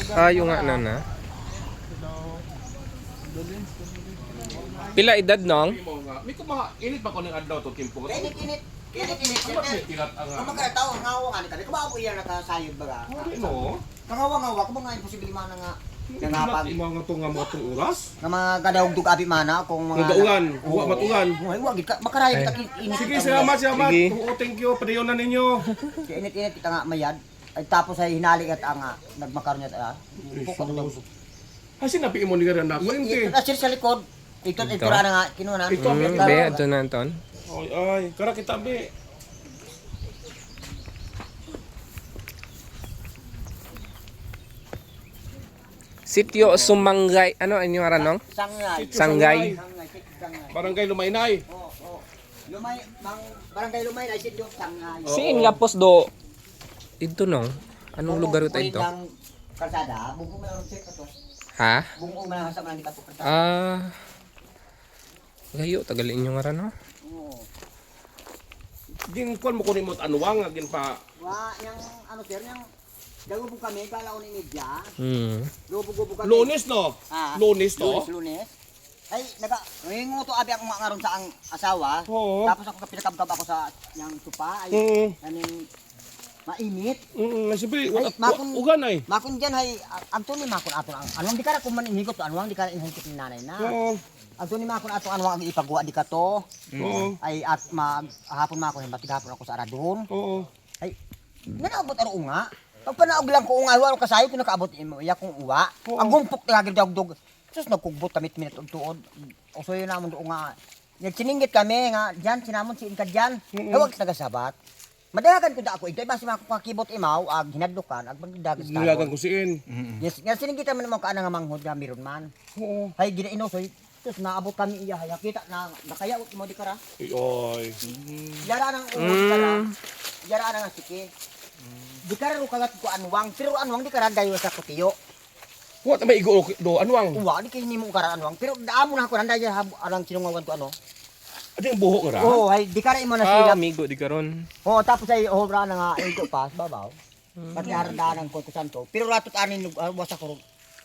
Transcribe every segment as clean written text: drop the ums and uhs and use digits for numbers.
Ayo nga na. Pila edad nong? May init ba ko ng adlaw to kimpo? Init. Tilat ang Ang mga tao ngawa nga ni kani. Kumaw ko iya nakasayod baga. no. Kangawa ko mga imposible man nga Nangapan imo nga to nga mga tong oras. nga mga gadawdug abi mana kung mga Nagaulan, huwa matugan. Wa gid ka makarayo kita init. Sige, salamat. Sige. Oo, thank you. Padayon na ninyo. Init kita nga mayad. Ay tapos ay hinali at ang nagmakaroon niya Ay sinabi mo ni garan na. Ito Kuwente. na sir sa likod. Ito ra na nga kinuha na. Ito, Be, ito na Anton. Ay, kara kita be. Sitio Sumanggay. Ano ang inyong aranong? Sangay. Sanggay. Barangay Lumaynay. Oo. Lumay barangay Lumay na sit yung sangay. Siin nga pos do. Ito no. Anong lugar ito ito? Ng kalsada, bungkong man lang check to. Ha? Bungkong man lang sa man dito kalsada. Ah. Gayo tagal inyong aran no? Oo. Gin kon mo kunin mo anuwang agin pa. Wa yang ano sir yang dago po kami kala ni media. Lubo kami. Lunes no? Ah, Lunes to? Lunes. Ay, ringo to abi ako nga ngaron sa ang asawa. Oo. Tapos ako kapilakab ako sa yang tupa ay kaning mainit. Siyempre, Ay, makon- ugan ay. Makon diyan hay Anthony makon ato ang anong di ka ra kuman inhigot to anong di ka inhigot ni nanay na. Oo. Anthony makon ato anong ang ipagawa di ka to. Oo. Ay at hapon mako hin batigapon ako sa aradon. Oo. Ay nanaabot aro nga. Pag panaog lang ko nga wala kasayo ko nakaabot imo iya kong uwa. Ang gumpok tagir dagdog. Sus nagkugbot tamit minute og tuod. Uso yun namon do nga. Nagsiningit kami nga diyan sinamon si ka diyan. Hawag nagasabat. Madagan ko da ako ito basi mako kakibot imaw ag hinadlukan ag magdagas ta. Nilagan ko siin. Yes, nga siningit man mo ka nga manghod nga meron man. Oo. Hay ginainosoy. Sus naabot kami iya haya kita na nakayaot mo di kara. Oy. Yara nang ulo di kara. Yara nang siki. Di kara ro kagat ko anwang pero anwang di kara dayo sa kutiyo. What may igo do anwang? Uwa di kay nimo kara anwang pero daamo na ako nanda ya alang sinungawan ko ano. Adi ang buhok ra. Oh, hay di kara imo na Ah, sila. amigo di karon. Oh, tapos ay obra na nga ito pa babaw. Pati harandanan ko santo. Pero ratot anin wasa ko.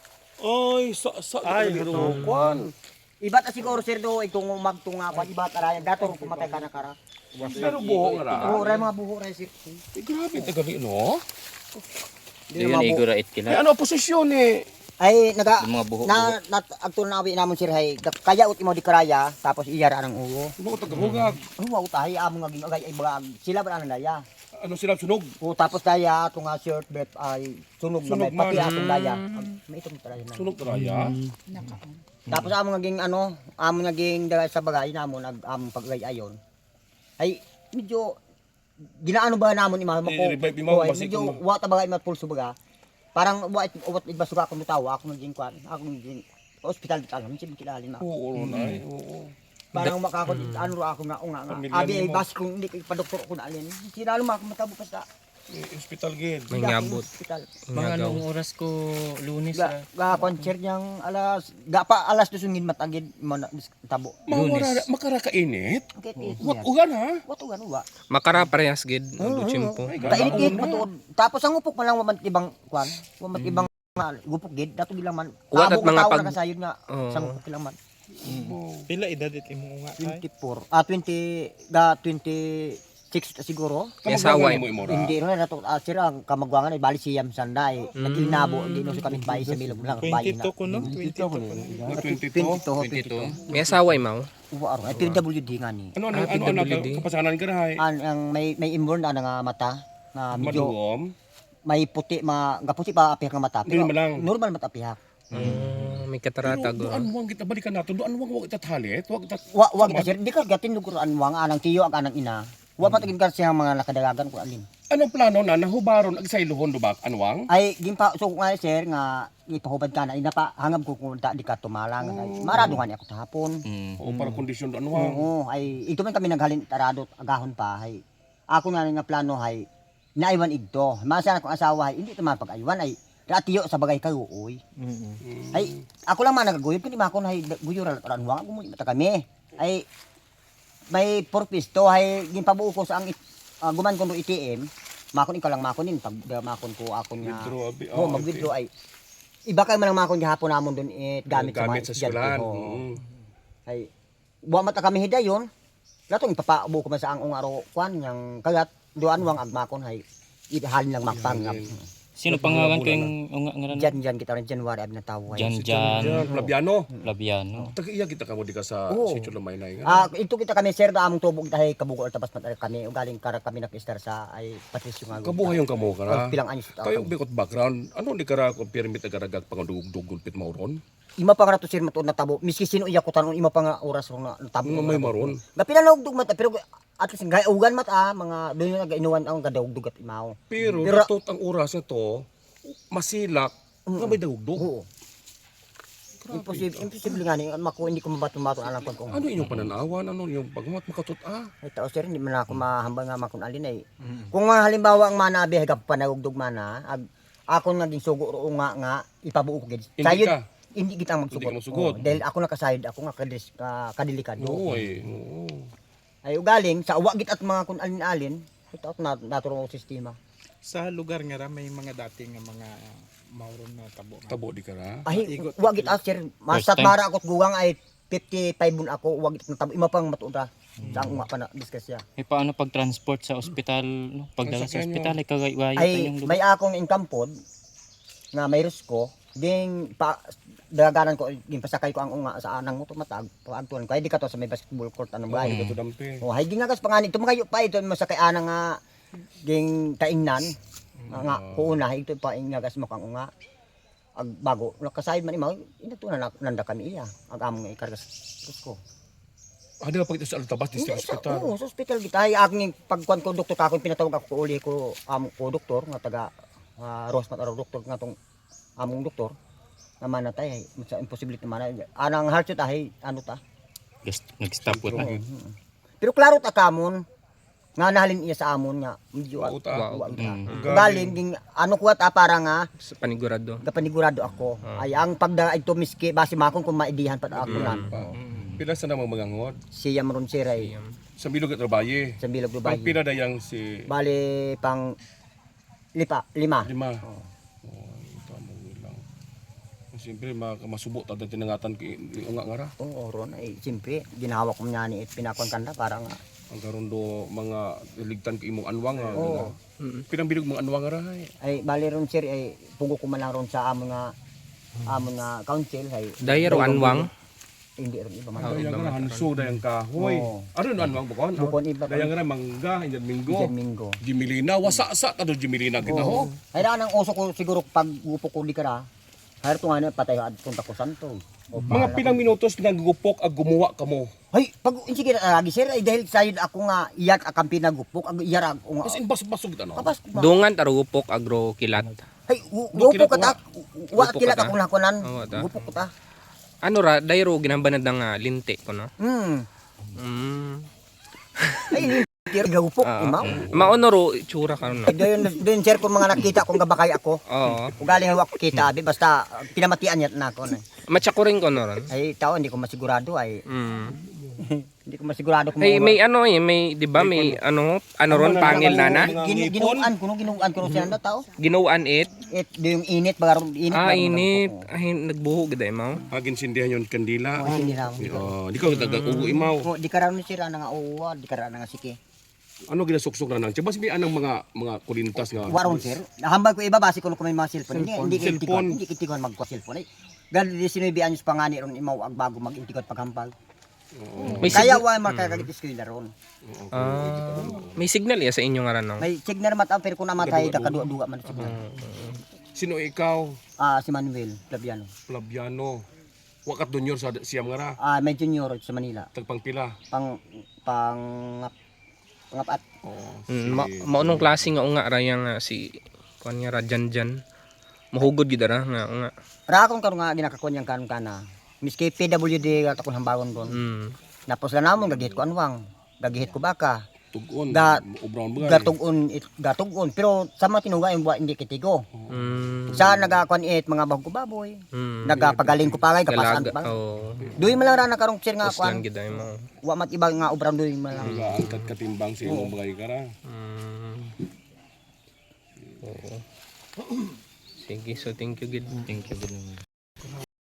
Ay, ay, kwan. Ibat na siguro sir do itong magtunga pa ibat arayan dato ro pumatay ka na kara. Pero buhok ra. Oh, ray mga buho ray sir. Grabe tagali no. Yun, igura it May kila. ano posisyon eh. Ay naga Yung mga buho. na agtun na abi namon sir hay kaya ut imo di karaya tapos iyara nang uwo. Ano tagahugag? Oh, wa utahi amo nga ginagay ay bagag sila ba na daya. Ano sila sunog? O tapos daya atong shirt bet ay sunog na may Sunog man. pati atong daya. May itong taraya na. Sunog raya. Tapos amo naging ano, amo naging dala sa bagay namo nag among pagayayon. Ay medyo ginaano ba namon imama ko? I-revive mo, ay, basi medyo kung- wa ta bagay matpulso baga. Parang wa uwat ibasuga ko mutawa ako naging kwan. Ako naging hospital dito alam sin kilalin na. Oo, nay. Oo. Parang makako ano ra ako nga nga. Pamilya Abi ay nimo. bas kung hindi kay padoktor ko na alin. Sinalo ma ako matabo pa sa Hospital gid. May ngabot. hospital. Mga Ngagaw. anong oras ko lunes Ga, ra. concert niyang alas 2 ngin matagid mo na tabo. Mawara makarakainit. Kit What ugan ha? What ugan wa? Makara parehas gid ang chimpo. Kainit matuod. Tapos ang upok man lang waman ibang kwan, waman ibang gupok gid dato bilang man. Wat at Tabog mga tao pag- na kasayod nga Oo. sa upok lang man. Pila edad it imo nga ay? 24. 26 siguro. May asawa mo imora. Hindi ro na to sira ang kamagwangan ay bali siyam sanday. Nagilnabo di no sa kami bayi sa bilog lang bayi na. 22 ko no? 22 ko. 22. May asawa imaw. Uwa aro ay PWD nga ni. Ano Ah, ano ano PWD. kapasanan ka na hay? Ang may inborn na nga mata na medyo Maduom. may puti gaputi pa apihak nga mata. Normal lang. Normal mata apihak. May kataratag. Pero doon wang kita balikan nato. Doon wang wag itathalit. Wag itat. Wag na sir, di ka gatin luguran wang anang tiyo ag anang ina. Wa patagin ka siya mga nakadalagan ko alin. Anong plano na nahubaron ag sayluhon do ba anwang? Ay gimpa so nga sir nga ipahubad ka na ina pa hangab ko kung di ka tumalang. Ay, marado nga ni ako tahapon. O para kondisyon do anwang. Oo, ay ito man kami naghalin tarado agahon pa ay ako na nga plano ay naiwan igto. Masa akong asawa ay hindi man pag-aywan ay ratiyo sa bagay kayo uy. Ay ako lang man nagaguyod kundi makon ay guyo ra ranwang ako mo mata kami. Ay may purpose to ay ginpabuo ko sa ang guman ko no ATM. Makon ikaw lang makonin pag makon ko ako nga. Withdraw abi. Oh, mag-withdraw ay iba kayo man ang mga gihapon namon doon gamit sa Gamit mga sa estudyante. eskwelahan. Oo. Ay wa mata kami hidayon. Latong ipapaabo ko man sa ang ungaro kwan yang kagat duan wang agmakon hay ihalin lang magpangap. Sino pangalan ko yung unga ngaran? Jan kita rin January ab na tawo. Jan Yan, Flaviano. Labiano. Taga-iya kita kamo di ka sa Oo. Sitio Lumaynay nga. Ito kita kami sir da among tubog dahay kabugo tapas mat kami ugaling kara kami nakistar sa ay Patricio nga. Kabuhay yung kamo ka na. Pilang anyos ta. Kayo bikot background. Ano di kara kung permit agaragag pangdugdug gulpit mauron? Ima pa nga to sir matud na tabo miski sino iya ko tanon ima pa nga oras ro na tabo. Ano may maron? Gapila na ugdug mata pero at least gayugan mata mga doon yung nagainuwan ang gadawdug at imaw. Pero Pero- natot ang oras na to, masilak, nga may dugdug. Oo. Imposible nga ni hindi ko mabaton-baton alam ko kung Ano inyong pananawan? Ano yung pagmat makatot ay tao sir hindi man ako mahambal nga makon alin ay. Kung nga halimbawa ang mana abi hagap panagugdog mana ako naging sugo ro nga ipabuo ko gid. Hindi Sayod ka. hindi kita Hindi ka magsugot. magsugot. Dahil ako nakasayod ako nga kadelikado. Oo eh. Oo. Ay ugaling sa uwa git at mga kun alin-alin ay tao naturo ko sistema. Sa lugar nga ra may mga dating nga mga mauron na tabo. Tabo di kara. Ay Igot. uwa git sir masat First time. mara akot gugang ay 55 bun ako uwa git natabo ima pang matuda. Sa ang nga pa na discuss ya. Eh paano pag transport sa ospital, no? Pagdala sa Sasakyan ospital ay kagawayo pa Ay yung lugar. may akong income pod nga may risko ding pa daganan ko ging pasakay ko ang unga sa anang motor matag paagtuan ko ay di ka to sa may basketball court anong bahay. Ito dampi. Oh hay gingagas pangani tumayo pa ito masakay ana nga ging kaingnan nga kuuna ito pa ingagas mo kang unga ag bago nakasayod man imaw inatunan nanda kami iya ag among ikargas ko. Ada pa ito sa Altabas District Hospital. Oo, sa hospital kita ay aking pagkuan ko doktor kakon pinatawag ako uli ko ko doktor nga taga Rosmat araw doktor nga tong among doktor naman na tay sa imposibility man anang heart rate ay ano ta. Nag-stop ko ta. Pero klaro ta kamon nga nahalin iya sa amon nga medyo Wauta. galing ging ano kuha ta para nga Sa panigurado. kapanigurado ako ay ang pagda ito miski base makon kung maidihan pa ako lang Pila sa namang mga ngod. siya maron siray Sa Bilog at Rabaye. sa Bilog Pang Dubai pila dayang si bali pang lima Lima. Tama lang. Siyempre masubo ta dati tinangatan unga nga ra. oo ron ay siyempre ginawa ko niya ni pinakon kanda para nga Ang karundo mga iligtan ko imong anwang nga. Oo. Pinang bilog mga anwang nga ra. ay bali ron sir ay pugo ko man lang ron sa amon nga council ay Dayero anwang. hindi ron iba man Dayang nga hanso dayang kahoy. Oo. Ano no anwang bukon? Bukon iba pa. Dayang nga mangga injad minggo. Diyan Minggo Jimilina wasa-sa ta do Jimilina kita ho. ay daan ang uso ko siguro pag gupo ko di kara hayar to nga na patay ad punta ko santo o Mga pilang minutos nagugupok ag gumawa kamo. ay pag sige lagi sir ay dahil sayod ako nga iyak akang pinagupok ag iyar ako nga As in basog ano. kapas Dungan tarugupok agro kilat. ay gupo ka ta wa Gupo ka kilat ta? ako nakunan Oo, ta. gupo ko ta Ano ra dayero ginambanad ng linte ko no. Mm. ay gupok imaw Maonoro itsura ka no. doon sir kung mga nakita kong gabakay ako Oo. kung galing hawak ko kita abi basta pinamatian niya na ako na Matsakuring ko no ron. ay tao hindi ko masigurado ay Mm. hindi ko masigurado kung May ano may 'di ba may ano ron pangil na ginuan ko siya na tao Ginuan it. yung init bagarong init Init. Ay nagbuho gid mo. Agin sindihan yon kandila. hindi na Di ka ugo imaw. di karon ni sira na nga uwa di karon na nga sige Ano ginasuksok na nang? Tsabas may anang mga kulintas nga. waron sir hambal ko iba base ko may mga cellphone hindi Cellphone. hindi kitikuan magko cellphone ay ganun di sinubi anyos pangani ron imaw ag bago mag-intikot paghambal May kaya signal, wa makakagit eskwela ron may signal ya sa inyo nga ron no. may signal mata pero kung namatay kakadua-dua man signal Sino ikaw? si Manuel Flaviano Flaviano. Wakat dunyor sa siyam nga ra. may junior sa Manila Tagpang pila. pangapat Maunong klase nga unga ra yang si kuan nga ra Janjan. Mahugod gid ra nga unga. ra akong karon nga ginakakuan yang kanon kana miski PWD akong hambagon ron Mm. napos na namon gagihit ko anwang gagihit ko baka Tugon. Ga- Ubrown ba? gatugon pero sa mga tinuga yung buwan hindi kitigo Mm. sa nagakuan mga bagong baboy Mm. nagapagaling ko pagay kapasaan Galaga. pa Oh. duy man lang ra nakarong sir nga Puslan kuan gid mo. wa mat ibang nga obra duy man lang Angkat katimbang sa imong bagay ka ra. Mm. Oo. Sige, so thank you gid. Thank you.